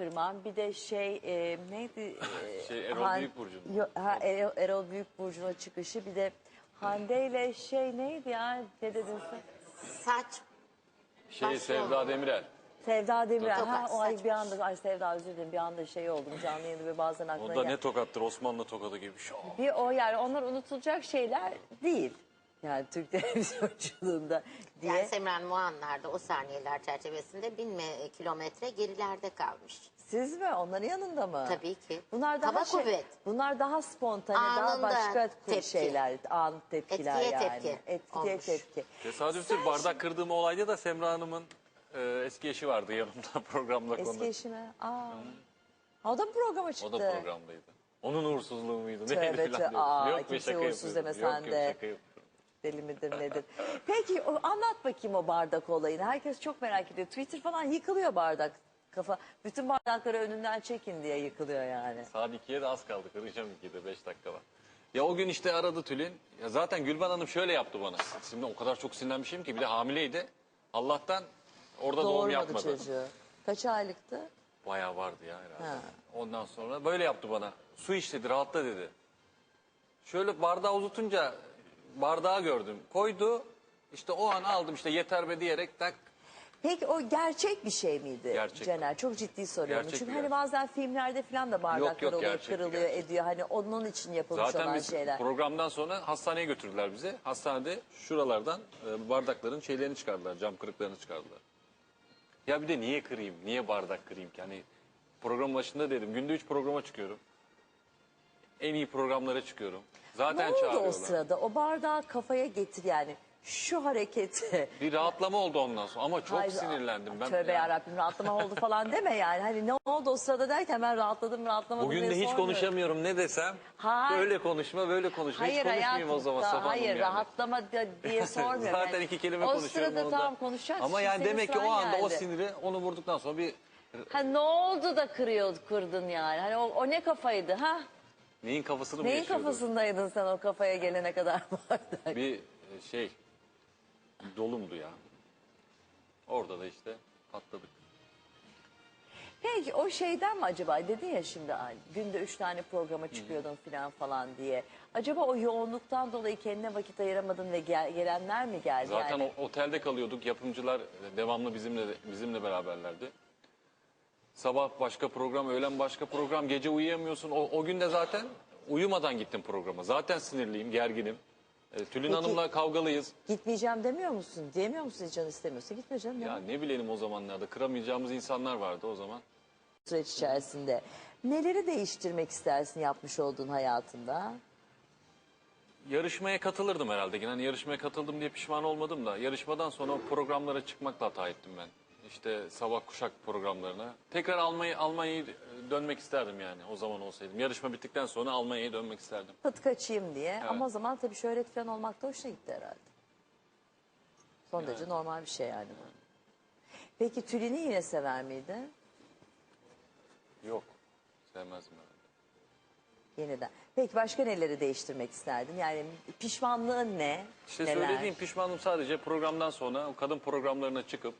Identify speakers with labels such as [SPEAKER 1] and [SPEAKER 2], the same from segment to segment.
[SPEAKER 1] kırmam. Bir de neydi?
[SPEAKER 2] Erol Büyükburcu'nun.
[SPEAKER 1] Erol Büyükburcu'nun çıkışı. Bir de Hande ile neydi ya? Ne dedin sen?
[SPEAKER 3] Saç.
[SPEAKER 2] Sevda Demirel.
[SPEAKER 1] Sevda Demirel.
[SPEAKER 3] Tokat,
[SPEAKER 1] O ay
[SPEAKER 3] saç
[SPEAKER 1] bir anda Sevda, özür dilerim, bir anda oldum canlı yayında ve bazen
[SPEAKER 2] O
[SPEAKER 1] aklına
[SPEAKER 2] da ne tokattır, Osmanlı tokadı gibi.
[SPEAKER 1] bir o, yani onlar unutulacak şeyler değil. Yani Türk televizyonçuluğunda diye.
[SPEAKER 3] Yani Semran o anlarda, o saniyeler çerçevesinde 1000 kilometre gerilerde kalmış.
[SPEAKER 1] Siz mi? Onların yanında mı?
[SPEAKER 3] Tabii ki.
[SPEAKER 1] Bunlar daha
[SPEAKER 3] Hava kuvvet.
[SPEAKER 1] Bunlar daha spontane, daha
[SPEAKER 3] Anında
[SPEAKER 1] başka
[SPEAKER 3] tepki.
[SPEAKER 1] şeyler, an tepkiler
[SPEAKER 3] Etkiye
[SPEAKER 1] yani.
[SPEAKER 3] tepki
[SPEAKER 1] Etkiye
[SPEAKER 3] olmuş.
[SPEAKER 1] tepki.
[SPEAKER 2] Tesadüftür, bardak kırdığım olayda da Semra Hanım'ın eski eşi vardı yanımda programda
[SPEAKER 1] Eski
[SPEAKER 2] konu.
[SPEAKER 1] eşi mi? O da mı programa çıktı?
[SPEAKER 2] O da programdaydı. Onun uğursuzluğu muydu?
[SPEAKER 1] Tövbe
[SPEAKER 2] Neydi
[SPEAKER 1] tövbe.
[SPEAKER 2] falan diyorsun. Yok be,
[SPEAKER 1] Kimse
[SPEAKER 2] şaka
[SPEAKER 1] uğursuz
[SPEAKER 2] yapıyorum.
[SPEAKER 1] deme sen
[SPEAKER 2] Yok,
[SPEAKER 1] de.
[SPEAKER 2] şaka yapıyorum.
[SPEAKER 1] Deli midir nedir? Peki anlat bakayım o bardak olayını. Herkes çok merak ediyor. Twitter falan yıkılıyor bardak. Kafa, bütün bardakları önünden çekin diye yıkılıyor yani.
[SPEAKER 2] Saat 2'ye de az kaldı. Kıracağım 2'de 5 dakika var. Ya o gün işte aradı Tülin. Ya zaten Gülben Hanım şöyle yaptı bana. Şimdi o kadar çok sinirlenmişim ki, bir de hamileydi. Allah'tan orada doğum
[SPEAKER 1] Doğurmadı
[SPEAKER 2] yapmadı.
[SPEAKER 1] çocuğu. Kaç aylıktı?
[SPEAKER 2] Bayağı vardı ya herhalde.
[SPEAKER 1] Ha.
[SPEAKER 2] Ondan sonra böyle yaptı bana. Su iç dedi, rahatla dedi. Şöyle bardağı uzatunca bardağı gördüm. Koydu. İşte o an aldım, işte yeter be diyerek tak.
[SPEAKER 1] Peki o gerçek bir şey miydi
[SPEAKER 2] Gerçek.
[SPEAKER 1] Cener? Çok ciddi soruyorum.
[SPEAKER 2] Gerçek
[SPEAKER 1] Çünkü
[SPEAKER 2] bir
[SPEAKER 1] hani
[SPEAKER 2] gerçek.
[SPEAKER 1] bazen filmlerde falan da bardaklar
[SPEAKER 2] Yok,
[SPEAKER 1] oluyor,
[SPEAKER 2] gerçekti,
[SPEAKER 1] kırılıyor,
[SPEAKER 2] gerçek.
[SPEAKER 1] ediyor. Hani onun için yapılmış
[SPEAKER 2] Zaten
[SPEAKER 1] olan
[SPEAKER 2] biz
[SPEAKER 1] şeyler.
[SPEAKER 2] programdan sonra hastaneye götürdüler bizi. Hastanede şuralardan bardakların şeylerini çıkardılar. Cam kırıklarını çıkardılar. Ya bir de niye kırayım? Niye bardak kırayım ki? Hani program başında dedim. Günde 3 programa çıkıyorum. En iyi programlara çıkıyorum. Zaten
[SPEAKER 1] Ne oldu
[SPEAKER 2] çağırıyorlar.
[SPEAKER 1] o sırada? O bardağı kafaya getir yani. Şu hareketi.
[SPEAKER 2] Bir rahatlama oldu ondan sonra ama çok
[SPEAKER 1] Hayır,
[SPEAKER 2] sinirlendim. Ben
[SPEAKER 1] Tövbe
[SPEAKER 2] yani,
[SPEAKER 1] yarabbim, rahatlama oldu falan deme yani. Hani ne oldu o sırada derken ben rahatlamadım
[SPEAKER 2] bugün
[SPEAKER 1] diye
[SPEAKER 2] de hiç
[SPEAKER 1] sormuyorum.
[SPEAKER 2] konuşamıyorum, ne desem.
[SPEAKER 1] Hayır.
[SPEAKER 2] Böyle konuşma, böyle konuşma. Hiç
[SPEAKER 1] Hayır
[SPEAKER 2] konuşmayayım
[SPEAKER 1] hayatım,
[SPEAKER 2] o zaman Safa Hanım
[SPEAKER 1] hayır
[SPEAKER 2] yani.
[SPEAKER 1] rahatlama diye sormuyorum.
[SPEAKER 2] Zaten
[SPEAKER 1] Yani
[SPEAKER 2] 2 kelime
[SPEAKER 1] o
[SPEAKER 2] konuşuyorum
[SPEAKER 1] sırada
[SPEAKER 2] onu da.
[SPEAKER 1] tamam konuşacaksın.
[SPEAKER 2] Ama yani
[SPEAKER 1] Senin
[SPEAKER 2] demek ki
[SPEAKER 1] sıran
[SPEAKER 2] o anda o
[SPEAKER 1] geldi.
[SPEAKER 2] siniri onu vurduktan sonra bir
[SPEAKER 1] Ha, ne oldu da kırdın yani? Hani o ne kafaydı ha?
[SPEAKER 2] neyin kafasını mı
[SPEAKER 1] Neyin
[SPEAKER 2] yaşıyordum?
[SPEAKER 1] kafasındaydın sen o kafaya gelene kadar bardak?
[SPEAKER 2] Bir dolumdu ya. Orada da işte patladık.
[SPEAKER 1] Peki o şeyden mi acaba, dedin ya şimdi günde 3 tane programa çıkıyordun falan diye. Acaba o yoğunluktan dolayı kendine vakit ayıramadın ve gelenler mi geldi?
[SPEAKER 2] Zaten
[SPEAKER 1] yani?
[SPEAKER 2] otelde kalıyorduk. Yapımcılar devamlı bizimle beraberlerdi. Sabah başka program, öğlen başka program, gece uyuyamıyorsun. O gün de zaten uyumadan gittim programa. Zaten sinirliyim, gerginim. Tülin
[SPEAKER 1] Peki-
[SPEAKER 2] Hanım'la kavgalıyız.
[SPEAKER 1] Gitmeyeceğim demiyor musun? Diyemiyor musun, hiç canı istemiyorsa? Gitme canım.
[SPEAKER 2] Ya
[SPEAKER 1] Ya.
[SPEAKER 2] ne bilelim, o zamanlarda kıramayacağımız insanlar vardı o zaman.
[SPEAKER 1] Süreç içerisinde. Neleri değiştirmek istersin yapmış olduğun hayatında?
[SPEAKER 2] Yarışmaya katılırdım herhalde. Yani yarışmaya katıldım diye pişman olmadım da. Yarışmadan sonra o programlara çıkmakla hata ettim ben. İşte sabah kuşak programlarına. Tekrar Almanya'ya dönmek isterdim yani o zaman olsaydım. Yarışma bittikten sonra Almanya'ya dönmek isterdim.
[SPEAKER 1] Pıt kaçayım diye. Ama o zaman tabii şöhret falan olmak da hoşuna gitti herhalde. Son derece normal bir şey yani bu. Peki Tülin'i yine sever miydin?
[SPEAKER 2] Yok, sevmezdim herhalde.
[SPEAKER 1] Yeniden. Peki başka neleri değiştirmek isterdin? Yani pişmanlığın ne?
[SPEAKER 2] İşte
[SPEAKER 1] Neler?
[SPEAKER 2] söylediğim pişmanım sadece programdan sonra o kadın programlarına çıkıp,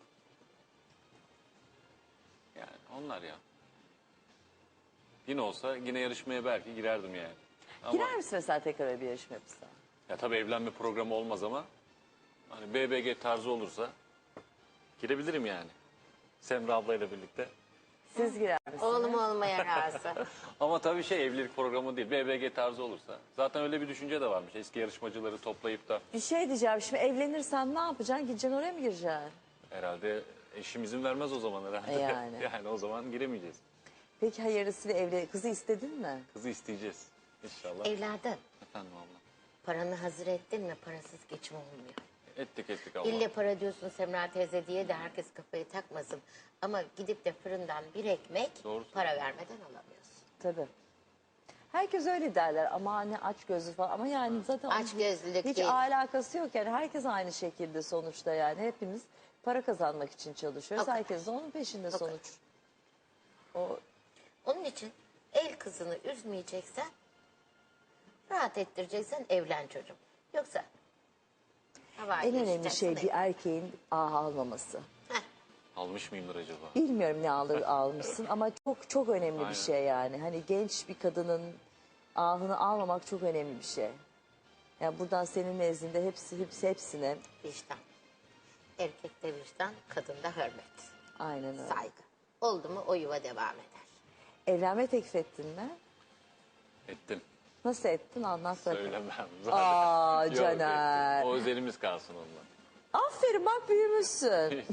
[SPEAKER 2] yani onlar ya. Yine olsa yine yarışmaya belki girerdim yani. Ama
[SPEAKER 1] Girer misin mesela tekrar öyle bir yarışma yapılsa?
[SPEAKER 2] ya tabii evlenme programı olmaz ama hani BBG tarzı olursa girebilirim yani. Semra ablayla birlikte.
[SPEAKER 1] Siz girer misiniz?
[SPEAKER 3] Oğlum olmaya razı.
[SPEAKER 2] Ama tabii evlilik programı değil, BBG tarzı olursa. Zaten öyle bir düşünce de varmış. Eski yarışmacıları toplayıp da
[SPEAKER 1] Bir şey diyeceğim, şimdi evlenirsen ne yapacaksın? Gideceksin oraya mı gireceksin?
[SPEAKER 2] herhalde eşim izin vermez o zaman herhalde.
[SPEAKER 1] Yani.
[SPEAKER 2] Yani o zaman giremeyeceğiz.
[SPEAKER 1] Peki hayırlısıyla kızı istedin mi?
[SPEAKER 2] Kızı isteyeceğiz inşallah.
[SPEAKER 3] Evladım,
[SPEAKER 2] Efendim abla.
[SPEAKER 3] paranı hazır ettin mi? Parasız geçim olmuyor.
[SPEAKER 2] Ettik abla.
[SPEAKER 3] İlle para diyorsun Semra teyze diye de herkes kafayı takmasın. Ama gidip de fırından bir ekmek
[SPEAKER 2] Doğru
[SPEAKER 3] para vermeden alamıyorsun.
[SPEAKER 1] Tabii. Herkes öyle derler ama hani aç gözlü falan, ama yani zaten
[SPEAKER 3] Aç gözlülük
[SPEAKER 1] hiç
[SPEAKER 3] değil.
[SPEAKER 1] alakası yok yani, herkes aynı şekilde sonuçta, yani hepimiz para kazanmak için çalışıyoruz.
[SPEAKER 3] O kadar.
[SPEAKER 1] Herkes de onun peşinde
[SPEAKER 3] O kadar.
[SPEAKER 1] sonuç. O
[SPEAKER 3] Onun için el kızını üzmeyeceksen, rahat ettireceksen evlen çocuğum. Yoksa havai
[SPEAKER 1] en önemli
[SPEAKER 3] geçeceksin,
[SPEAKER 1] şey bir erkeğin almaması.
[SPEAKER 3] Heh,
[SPEAKER 2] Almış mıyımdır acaba?
[SPEAKER 1] Bilmiyorum ne almışsın ama çok çok önemli
[SPEAKER 2] Aynen.
[SPEAKER 1] bir şey yani. Hani genç bir kadının ahını almamak çok önemli bir şey. Yani buradan senin nezdinde hepsine
[SPEAKER 3] Vicdan. Erkekte vicdan, kadında hürmet.
[SPEAKER 1] aynen öyle.
[SPEAKER 3] Saygı. Oldu mu o yuva devam eder.
[SPEAKER 1] Evlenme teklif ettin mi?
[SPEAKER 2] Ettim.
[SPEAKER 1] Nasıl ettin anlat bakalım.
[SPEAKER 2] Söylemem.
[SPEAKER 1] Aa,
[SPEAKER 2] Yok,
[SPEAKER 1] Caner.
[SPEAKER 2] ettim. O özelimiz kalsın onunla.
[SPEAKER 1] Aferin bak büyümüşsün.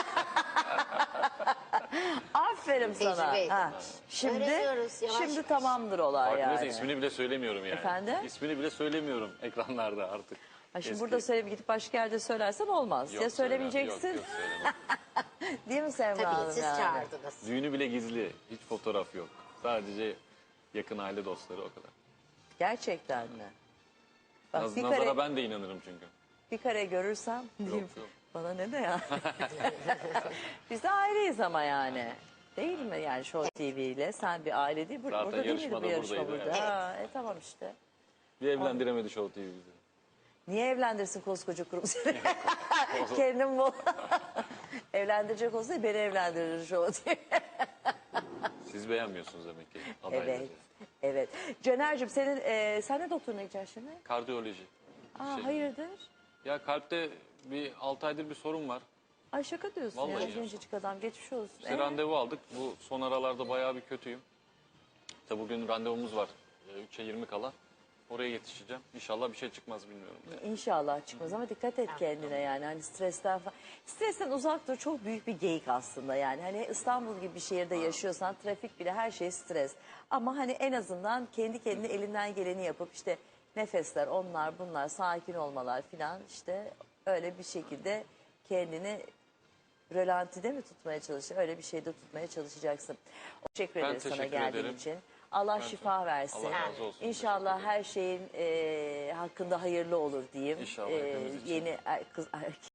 [SPEAKER 1] Aferin sana.
[SPEAKER 3] Tecrübe
[SPEAKER 1] Ha,
[SPEAKER 3] edinmiş. Öğreniyoruz yavaş
[SPEAKER 1] şimdi
[SPEAKER 3] yavaş.
[SPEAKER 1] tamamdır olay
[SPEAKER 2] Farkındaysa
[SPEAKER 1] yani.
[SPEAKER 2] ismini bile söylemiyorum yani.
[SPEAKER 1] Efendim?
[SPEAKER 2] İsmini bile söylemiyorum ekranlarda artık.
[SPEAKER 1] Ha, şimdi
[SPEAKER 2] Eski.
[SPEAKER 1] burada söyleyip gidip başka yerde söylersen olmaz.
[SPEAKER 2] Yok,
[SPEAKER 1] Ya söylemeyeceksin.
[SPEAKER 2] Yok, söylemem.
[SPEAKER 1] Değil mi Semra
[SPEAKER 3] Tabii
[SPEAKER 1] Hanım
[SPEAKER 3] siz
[SPEAKER 1] yani?
[SPEAKER 3] çağırdınız.
[SPEAKER 2] Düğünü bile gizli. Hiç fotoğraf yok. Sadece yakın aile dostları o kadar.
[SPEAKER 1] Gerçekten mi? Bak bir
[SPEAKER 2] Nazara
[SPEAKER 1] kare,
[SPEAKER 2] ben de inanırım çünkü.
[SPEAKER 1] bir kare görürsem diyeyim,
[SPEAKER 2] yok.
[SPEAKER 1] bana ne de ya. Biz de aileyiz ama yani. Değil mi yani Show TV ile? Sen bir aile değil.
[SPEAKER 2] Zaten
[SPEAKER 1] Burada değil miydi
[SPEAKER 2] yarışmada
[SPEAKER 1] bu yarışma
[SPEAKER 2] buradaydı,
[SPEAKER 1] burada?
[SPEAKER 2] evet.
[SPEAKER 1] Ha, tamam işte.
[SPEAKER 2] Bir evlendiremedi Show TV bizi.
[SPEAKER 1] Niye evlendirsin koskoca kurum seni? Kendim bu. Evlendirecek olsaydı beni evlendirir Show TV.
[SPEAKER 2] Siz beğenmiyorsunuz demek ki adayları.
[SPEAKER 1] Evet. Evet. Caner'cim sen ne doktoruna gideceksin şimdi?
[SPEAKER 2] Kardiyoloji.
[SPEAKER 1] Aa,
[SPEAKER 2] Şey-
[SPEAKER 1] hayırdır?
[SPEAKER 2] Ya kalpte bir 6 aydır bir sorun var.
[SPEAKER 1] Ay şaka diyorsun
[SPEAKER 2] Vallahi
[SPEAKER 1] ya.
[SPEAKER 2] ya.
[SPEAKER 1] Gencecik adam geçmiş olsun.
[SPEAKER 2] İşte randevu aldık. Bu son aralarda bayağı bir kötüyüm. İşte bugün randevumuz var. 3'e 20 kala. Oraya yetişeceğim. İnşallah bir şey çıkmaz bilmiyorum.
[SPEAKER 1] İnşallah çıkmaz ama dikkat et kendine yani hani stresten falan. Stresten uzak dur çok büyük bir geyik aslında yani hani İstanbul gibi bir şehirde yaşıyorsan trafik bile her şey stres. Ama hani en azından kendi kendine elinden geleni yapıp işte nefesler onlar bunlar sakin olmalar filan işte öyle bir şekilde kendini rölantide mi tutmaya çalışacaksın? Öyle bir şeyde tutmaya çalışacaksın. Teşekkür
[SPEAKER 2] Ben
[SPEAKER 1] ederiz sana
[SPEAKER 2] teşekkür
[SPEAKER 1] geldiğin
[SPEAKER 2] ederim.
[SPEAKER 1] için. Allah şifa versin.
[SPEAKER 2] Allah razı olsun.
[SPEAKER 1] İnşallah
[SPEAKER 2] Teşekkür
[SPEAKER 1] her şeyin hakkında hayırlı olur diyeyim.
[SPEAKER 2] İnşallah hepimiz için.
[SPEAKER 1] Yeni kız